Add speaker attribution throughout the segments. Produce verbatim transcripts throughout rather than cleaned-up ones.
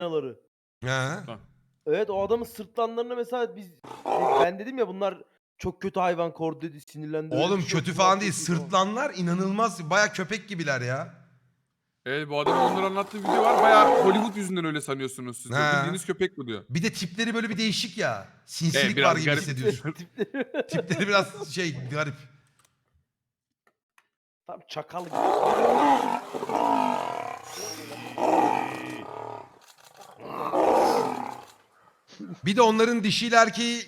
Speaker 1: hiyanaları.
Speaker 2: Ha.
Speaker 1: Evet, o adamın sırtlanlarına mesela biz ben dedim ya bunlar çok kötü hayvan, kordu dedi, sinirlendi. öyle
Speaker 2: Oğlum
Speaker 1: bir şey yok,
Speaker 2: kötü
Speaker 1: bunlar
Speaker 2: falan
Speaker 1: çok
Speaker 2: değil.
Speaker 1: iyi falan.
Speaker 2: Sırtlanlar inanılmaz. Baya köpek gibiler ya.
Speaker 3: Evet, bu adamın onları anlattığı video var. Bayağı Hollywood yüzünden öyle sanıyorsunuz siz de.
Speaker 2: Ha.
Speaker 3: Bildiğiniz köpek bu diyor.
Speaker 2: Bir de tipleri böyle bir değişik ya. Sinsilik
Speaker 3: Evet, biraz
Speaker 2: var gibi
Speaker 3: garip.
Speaker 2: hissediyorsun. Tipleri biraz şey garip.
Speaker 1: Tam çakal gibi.
Speaker 2: Bir de onların dişiyle erkeği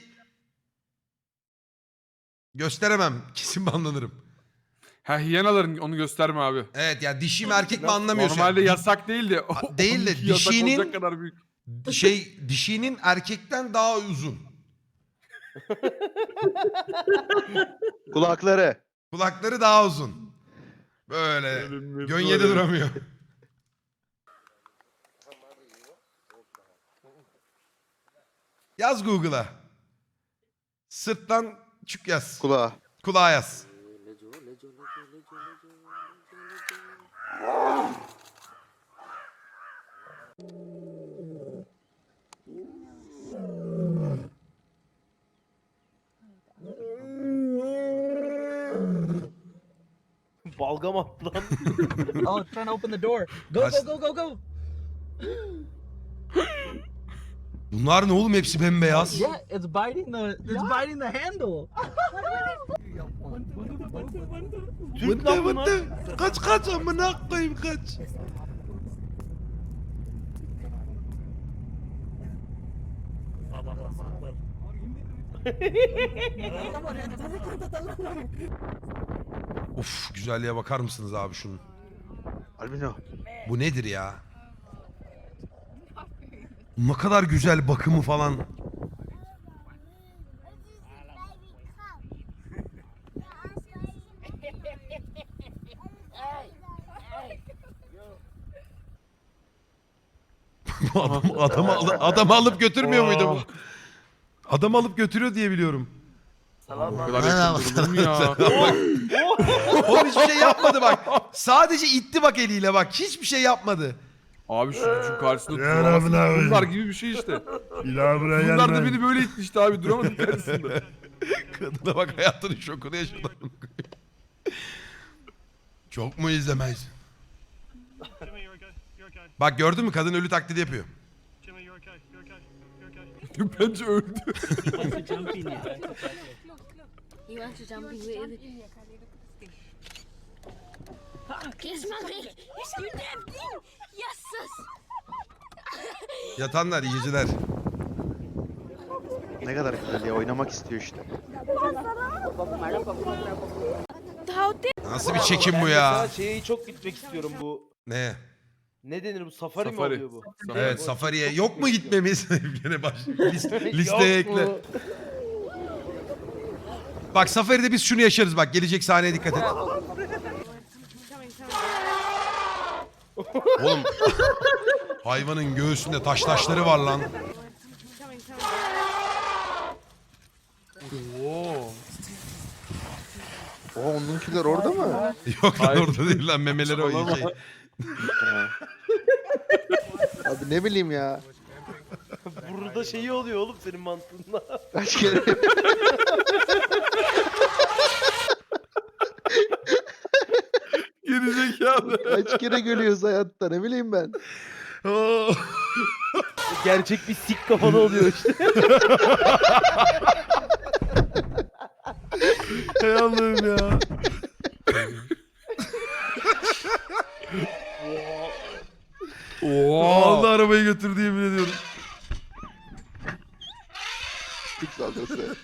Speaker 2: gösteremem. Kesin banlanırım.
Speaker 3: Ha, hiyanaların onu gösterme abi.
Speaker 2: Evet ya dişi mi erkek mi anlamıyorsun.
Speaker 3: Normalde
Speaker 2: Yani.
Speaker 3: yasak değil de.
Speaker 2: Ha, değil de
Speaker 3: onunki yasak
Speaker 2: dişinin-
Speaker 3: olacak kadar büyük.
Speaker 2: Şey dişinin erkekten daha uzun.
Speaker 4: Kulakları.
Speaker 2: Kulakları daha uzun. Böyle gönyede duramıyor. Yaz Google'a. Sırttan çük yaz.
Speaker 4: Kulağı.
Speaker 2: Kulağa yaz.
Speaker 1: Balgam attı lan.
Speaker 5: Oh, it's trying to open the door. Go,
Speaker 2: Kaç-
Speaker 5: go, go, go, go.
Speaker 2: Bunlar ne oğlum, hepsi bembeyaz.
Speaker 5: Yeah, it's biting the it's biting the handle.
Speaker 1: Türk lan bunlar.
Speaker 2: Kaç kaç amına koyayım kaç. Of, güzelliğe bakar mısınız abi şunun?
Speaker 4: Albino.
Speaker 2: Bu nedir ya? Ne kadar güzel bakımı falan. Bu adam, adamı, al- adamı alıp götürmüyor muydu bu? Adamı alıp götürüyor diye biliyorum.
Speaker 3: Bu kadar yakın durulur mu ya?
Speaker 2: Oğlum hiçbir şey yapmadı bak. Sadece itti bak eliyle bak. Hiçbir şey yapmadı.
Speaker 3: Abi şu, şu karşısında
Speaker 6: Ya
Speaker 3: duramazsın.
Speaker 6: Rabbi, Rabbi.
Speaker 3: Bunlar gibi bir şey işte.
Speaker 6: Bir daha buraya
Speaker 3: Bunlar da
Speaker 6: gelme.
Speaker 3: beni böyle itmişti abi. Duramadım karşısında.
Speaker 2: Kadına bak, hayatının şokunu yaşadı. Çok mu izlemez?
Speaker 7: Jimmy, you're okay. You're okay.
Speaker 2: Bak gördün mü, kadın ölü taklidi yapıyor.
Speaker 7: Jimmy, you're okay. You're okay. You're okay.
Speaker 3: Bence öldü.
Speaker 8: He wants to jump in with Kiss mommy. Yes, you damn thing. Yes, sis.
Speaker 2: Yatanlar, iyi geceler.
Speaker 4: Ne kadar güzel ya, oynamak istiyor işte.
Speaker 2: Nasıl bir çekim bu
Speaker 1: Ben
Speaker 2: ya?
Speaker 1: mesela şeye çok gitmek istiyorum bu.
Speaker 2: Ne?
Speaker 1: Ne denir bu? Safari, mi
Speaker 3: Safari.
Speaker 1: oluyor bu?
Speaker 2: Evet, safariye yok mu gitmemiz? Gene baş list-
Speaker 1: Yok
Speaker 2: listeye
Speaker 1: mu?
Speaker 2: ekle. Bak safaride biz şunu yaşarız bak, gelecek sahneye dikkat et. Oğlum hayvanın göğsünde taş taşları var lan.
Speaker 3: Oo.
Speaker 4: Oha, onunkiler orada mı?
Speaker 2: Yok lan,
Speaker 3: Hayır.
Speaker 2: orada değil lan, memeleri o iyi şey.
Speaker 4: Abi ne bileyim ya.
Speaker 1: Burada şeyi oluyor oğlum senin mantığında.
Speaker 4: Kaç kere.
Speaker 2: Gerizekalı.
Speaker 4: Kaç kere gülüyoruz hayatta, ne bileyim ben.
Speaker 2: Oo.
Speaker 1: Gerçek bir sik kafalı oluyor işte.
Speaker 2: Hay Allah'ım ya.
Speaker 3: Oo.
Speaker 2: Allah arabayı götürdü, yemin ediyorum.
Speaker 4: Çok saldırısı.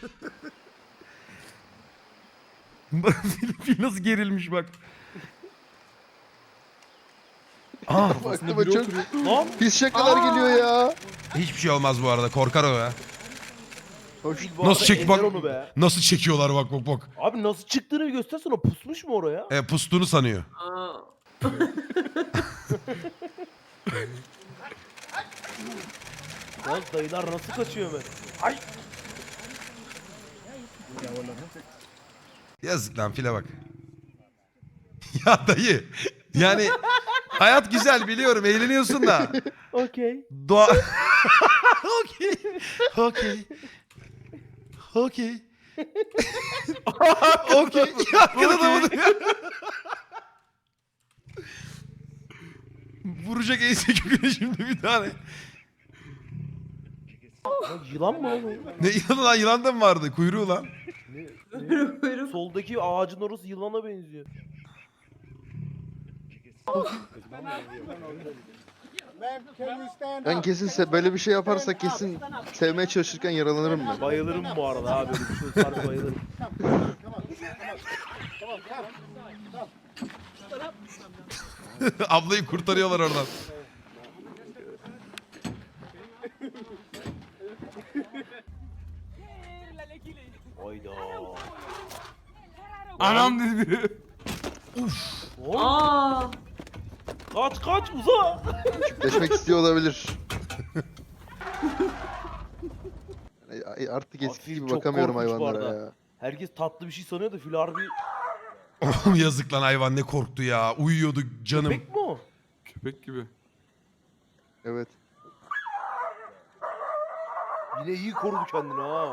Speaker 2: Fil nasıl gerilmiş bak. Aa,
Speaker 4: Aklıma çok
Speaker 1: Lan
Speaker 4: pis şakalar geliyor ya.
Speaker 2: hiçbir şey olmaz bu arada, korkar o ya.
Speaker 4: Hoş.
Speaker 1: bu
Speaker 2: Nasıl
Speaker 1: arada
Speaker 2: çek
Speaker 1: ezer
Speaker 2: bak.
Speaker 1: onu be.
Speaker 2: Nasıl çekiyorlar bak bak bak.
Speaker 1: Abi nasıl çıktığını bir göstersene, pusmuş mu oraya?
Speaker 2: E, pustuğunu sanıyor.
Speaker 1: Lan dayılar nasıl kaçıyor hemen? Ay!
Speaker 2: Yazık lan, file bak. Ya dayı. Yani hayat güzel biliyorum, eğleniyorsun da.
Speaker 1: Okey.
Speaker 2: Doğa... Okey. Okey. Okey. Okey. Arkada da bunu. Vuracak ense köküne şimdi bir tane.
Speaker 1: Ya yılan mı oğlum?
Speaker 2: Ne yılan lan? Yılan da mı vardı? Kuyruğu lan.
Speaker 1: Ne? Ne? Soldaki ağacın orası yılana benziyor.
Speaker 4: Ben kesin se- böyle bir şey yaparsa kesin sevmeye çalışırken yaralanırım ben.
Speaker 1: Bayılırım bu arada abi. Böyle bir şey olsa bayılırım.
Speaker 2: Ablayı kurtarıyorlar oradan.
Speaker 1: Hayda.
Speaker 3: Anam dedi biri.
Speaker 1: Oğlum,
Speaker 6: Aa,
Speaker 1: kaç kaç uza.
Speaker 4: Çiftleşmek istiyor olabilir. Ay- ay, Artık eskisi
Speaker 1: Fil
Speaker 4: gibi
Speaker 1: çok
Speaker 4: bakamıyorum
Speaker 1: korkunç bu
Speaker 4: hayvanlara
Speaker 1: arada.
Speaker 4: ya.
Speaker 1: Herkes tatlı bir şey sanıyor da fil harbi
Speaker 2: Oğlum yazık lan hayvan ne korktu ya. Uyuyordu canım.
Speaker 1: köpek mi o?
Speaker 3: Köpek gibi.
Speaker 4: Evet.
Speaker 1: Yine iyi korudu kendini ha.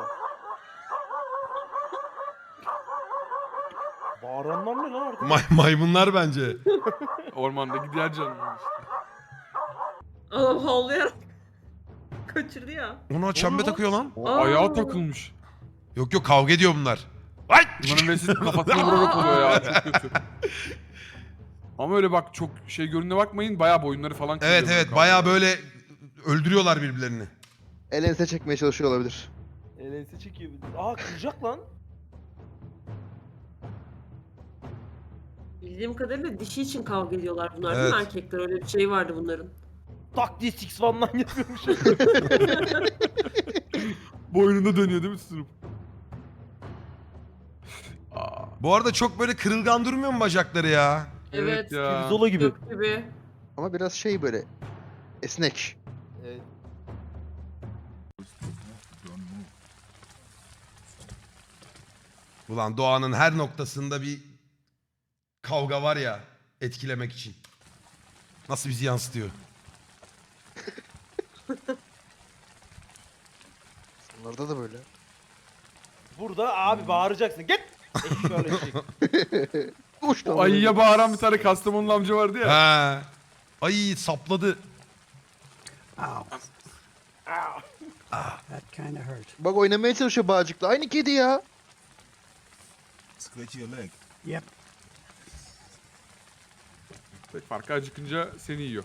Speaker 1: Bağıranlar ne lan arkada?
Speaker 2: May- maymunlar bence.
Speaker 3: Ormandaki diğer canlılar işte.
Speaker 6: adam havlayarak kaçırdı ya.
Speaker 2: Ona çembe
Speaker 1: lan?
Speaker 2: takıyor lan.
Speaker 3: O
Speaker 6: Aa.
Speaker 3: ayağa takılmış.
Speaker 2: Yok yok kavga ediyor bunlar. Ay!
Speaker 3: Bunların vesile kafasına vurarak oluyor ya. Çok kötü. Ama öyle bak çok şey görününe bakmayın. Bayağı boyunları falan kırıyor.
Speaker 2: Evet
Speaker 3: böyle
Speaker 2: evet
Speaker 3: kavga.
Speaker 2: bayağı böyle öldürüyorlar birbirlerini.
Speaker 4: El ense çekmeye çalışıyor olabilir.
Speaker 1: Elense çekiyor. bir de. Aa kıracak lan.
Speaker 6: Bildiğim kadarıyla dişi için kavga ediyorlar bunlar değil mi
Speaker 2: Evet.
Speaker 6: erkekler? Öyle bir şey vardı bunların.
Speaker 1: Tak diye Six One'dan yapıyormuş.
Speaker 3: Boynunda dönüyor değil mi tutunup? Aa,
Speaker 2: Bu arada çok böyle kırılgan durmuyor mu bacakları ya?
Speaker 3: evet,
Speaker 6: Evet.
Speaker 3: ya.
Speaker 1: Zola gibi.
Speaker 6: Gök gibi.
Speaker 4: Ama biraz şey böyle esnek.
Speaker 1: Evet.
Speaker 2: Ulan doğanın her noktasında bir kavga var ya etkilemek için. Nasıl bizi yansıtıyor?
Speaker 4: Onlarda da böyle.
Speaker 1: Burada abi bağıracaksın. Git. Eşşoğlu eşek.
Speaker 4: Uç lan.
Speaker 3: Ayıya bağıran bir tane Kastamonlu amca vardı ya.
Speaker 2: Ha. Ay sapladı.
Speaker 5: That kind of hurt.
Speaker 4: Bak oynamaya çalışıyor bağcıkla. Aynı kedi ya.
Speaker 5: Yep.
Speaker 3: Tek farkı acıkınca seni yiyor.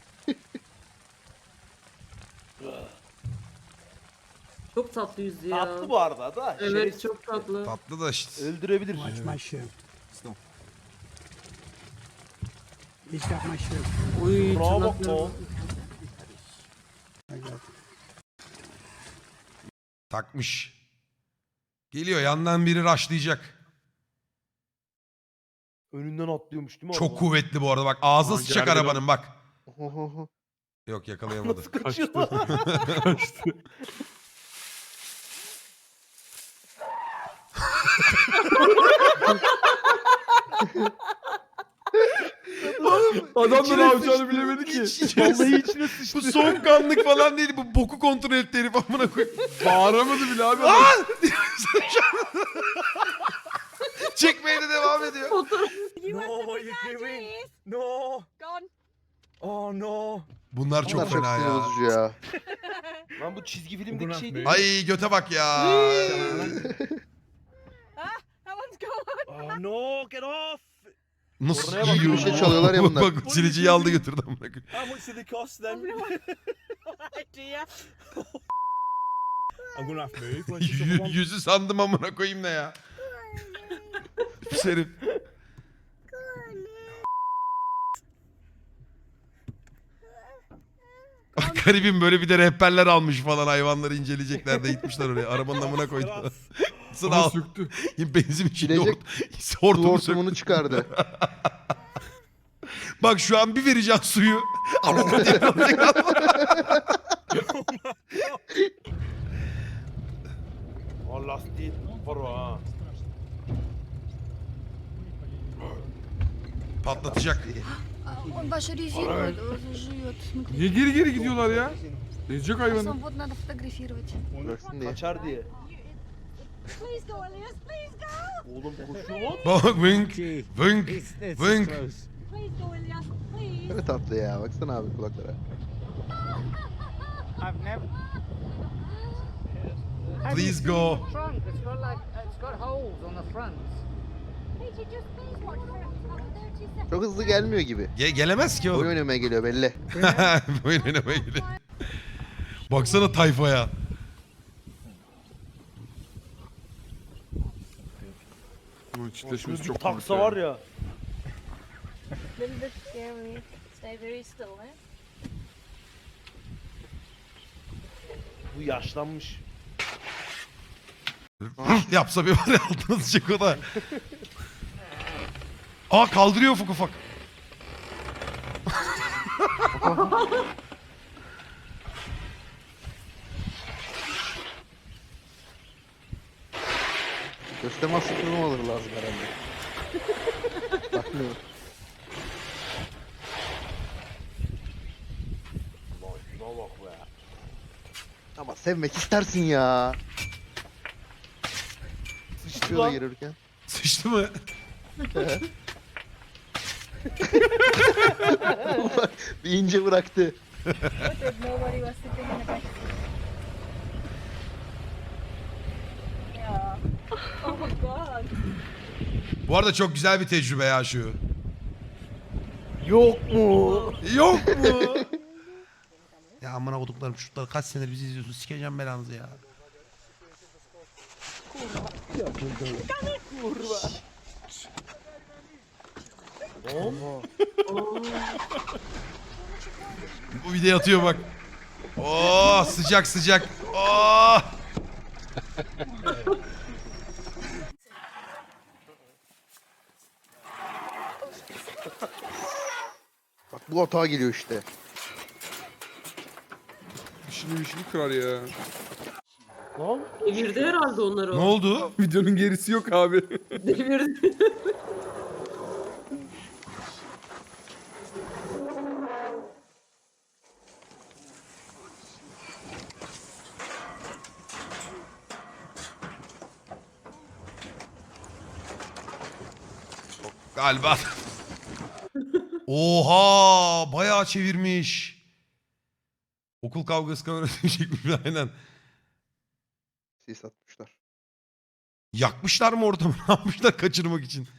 Speaker 6: Çok tatlı yüzlü ya.
Speaker 1: Tatlı bu arada da.
Speaker 6: Evet
Speaker 1: şerefsiz.
Speaker 6: çok tatlı.
Speaker 2: Tatlı da işte.
Speaker 1: Öldürebilir.
Speaker 5: Watch my shoe. He's got my shoe.
Speaker 6: Uy
Speaker 1: Bravo bak
Speaker 6: tırnakları.
Speaker 1: o.
Speaker 5: I got
Speaker 2: Takmış. Geliyor yandan biri raşlayacak.
Speaker 1: Önünden atlıyormuş değil mi?
Speaker 2: Çok
Speaker 1: araba?
Speaker 2: kuvvetli bu arada bak ağzına
Speaker 3: Aa,
Speaker 2: sıçacak
Speaker 3: gergedan.
Speaker 2: arabanın bak.
Speaker 4: Ohoho.
Speaker 2: Yok yakalayamadı.
Speaker 1: Nasıl kaçıyor lan?
Speaker 3: Kaçtı. Adam da
Speaker 2: İçine
Speaker 3: ne yapacağını
Speaker 2: sıçtı.
Speaker 3: bilemedi ki.
Speaker 2: İç- içine
Speaker 1: Vallahi
Speaker 2: sıçtı.
Speaker 1: içine sıçtı.
Speaker 2: Bu soğukkanlık falan değil bu boku kontrol etti herif amına koyayım.
Speaker 3: Bağıramadı bile abi. adam.
Speaker 2: Lan! Çekmeye de devam ediyor.
Speaker 8: No, what are you doing?
Speaker 7: No!
Speaker 8: Gone.
Speaker 7: Oh no!
Speaker 2: Bunlar çok
Speaker 4: Bunlar çok
Speaker 2: fena
Speaker 4: sinir
Speaker 2: ya.
Speaker 4: bozucu ya.
Speaker 1: Lan bu çizgi filmdeki
Speaker 7: Buna
Speaker 1: şey değil.
Speaker 7: ne?
Speaker 2: Ay göte bak ya.
Speaker 8: That one's gone.
Speaker 7: Oh no! Get off!
Speaker 2: Nasıl
Speaker 1: Oraya bak,
Speaker 2: yiyor?
Speaker 4: bir şey çalıyorlar ya
Speaker 2: Bak,
Speaker 4: bunlar.
Speaker 2: Bak siliciyi aldı götürdü amına koyayım.
Speaker 7: How much did they cost then?
Speaker 8: No idea.
Speaker 7: I'm gonna have to move. Where's the
Speaker 2: Yü-
Speaker 7: other one?
Speaker 2: Yüzü sandım amına koyayım ne ya. Pis herif. Bak garibim böyle bir de rehberler almış falan hayvanları inceleyecekler de gitmişler oraya. Arabanın amına koydular. Sıra
Speaker 3: Ama
Speaker 2: al.
Speaker 3: söktü.
Speaker 2: Benzin içinde
Speaker 4: Bilecek-
Speaker 2: hort
Speaker 4: Su
Speaker 2: hortumu
Speaker 4: hortumunu
Speaker 2: söktü.
Speaker 4: çıkardı.
Speaker 2: Bak şu an bir vereceğim suyu. Ama diye kalacak.
Speaker 1: Aa lastiği var o ha.
Speaker 2: Patlatacak.
Speaker 8: Папаша резирует, он жует. Смотри.
Speaker 3: Niye geri geri gidiyorlar ya? Ezecek hayvanı.
Speaker 8: Вот надо фотографировать.
Speaker 4: Bıraksın diye.
Speaker 1: Kaçar diye.
Speaker 8: Please go, Elias, please go.
Speaker 1: Oğlum koşuyor lan.
Speaker 2: Bak vınk vınk vınk.
Speaker 8: Please go, Elias, please.
Speaker 4: Ne tatlı ya. Baksana abi kulaklara.
Speaker 5: I've never.
Speaker 2: Please go.
Speaker 5: Trunk. It's got like it's got holes on the front.
Speaker 8: Peter, just please watch for about thirty seconds.
Speaker 4: Çok hızlı gelmiyor gibi.
Speaker 2: Ge- gelemez ki
Speaker 4: Oyun
Speaker 2: oğlum.
Speaker 4: oynamaya geliyor belli.
Speaker 2: Oyun oynamaya gidiyor. Baksana tayfaya.
Speaker 3: Bunun çitleşmesi
Speaker 1: Bir
Speaker 3: çok
Speaker 1: taksa
Speaker 3: komik
Speaker 1: var ya.
Speaker 8: Little bit scary. Stay very still, eh?
Speaker 1: Bu yaşlanmış.
Speaker 2: Yapsa bir var ya altına sıçacak o da. Aa kaldırıyor ufak ufak.
Speaker 4: Göstermez sıkılma olur lazım herhalde. Bakmıyorum.
Speaker 1: Lan şuna bak be.
Speaker 4: Ama sevmek istersin ya.
Speaker 1: Sıçtı
Speaker 4: Sıçıyor da
Speaker 1: lan.
Speaker 4: girirken.
Speaker 2: Sıçtı mı?
Speaker 4: Bak, bir ince bıraktı.
Speaker 8: Nobody was sitting in the back. Yeah. Oh my god.
Speaker 2: Bu arada çok güzel bir tecrübe ya şu.
Speaker 1: Yok mu?
Speaker 2: Yok mu? Ya amına koduklarım çocuklar kaç senedir bizi izliyorsun sikeceğim belanızı ya.
Speaker 1: Oğlum.
Speaker 2: Bu video atıyor bak. Oo sıcak sıcak. Oo.
Speaker 4: Bak bu hata geliyor işte.
Speaker 3: İşini işini kırar ya.
Speaker 1: Lan.
Speaker 6: Devirdi herhalde onları
Speaker 2: Ne
Speaker 6: o.
Speaker 2: oldu?
Speaker 3: Videonun gerisi yok abi.
Speaker 6: Devirdi.
Speaker 2: Galiba. Oha bayağı çevirmiş. Okul kavgası kamerası çekmiş aynen.
Speaker 4: Sis atmışlar.
Speaker 2: Yakmışlar mı ortamı? Ne yapmışlar kaçırmak için?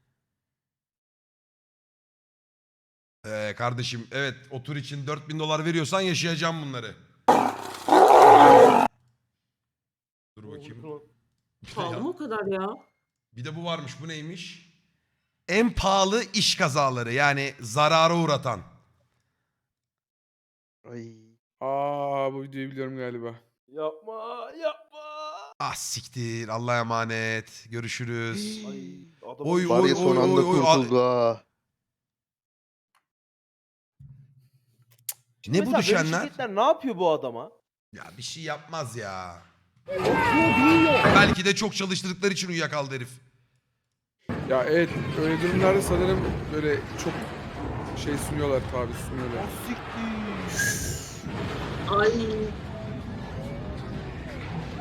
Speaker 2: Ee, kardeşim evet o tur için dört bin dolar veriyorsan yaşayacağım bunları. Dur bakayım.
Speaker 6: Pahalı mı o kadar ya?
Speaker 2: Bir de bu varmış. Bu neymiş? En pahalı iş kazaları. Yani zarara uğratan.
Speaker 4: Ay.
Speaker 3: Aa bu videoyu biliyorum galiba.
Speaker 1: Yapma yapma.
Speaker 2: Ah siktir. Allah'a emanet. Görüşürüz.
Speaker 1: Ay, adam
Speaker 2: Oy,
Speaker 4: Var
Speaker 2: oy,
Speaker 4: ya son
Speaker 2: oy,
Speaker 4: anda
Speaker 2: oy, oy.
Speaker 4: kurtuldu ha.
Speaker 2: Ne bu
Speaker 1: Mesela böyle
Speaker 2: düşenler?
Speaker 1: şirketler ne yapıyor bu adama?
Speaker 2: Ya bir şey yapmaz ya. Belki de çok çalıştırdıkları için uyuyakaldı herif.
Speaker 3: Ya evet öyle durumlarda sanırım böyle çok şey sunuyorlar tabi sunuyorlar.
Speaker 6: Ay.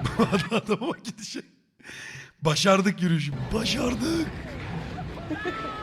Speaker 2: Adama bak gidişe. Başardık yürüyüşü. Başardık.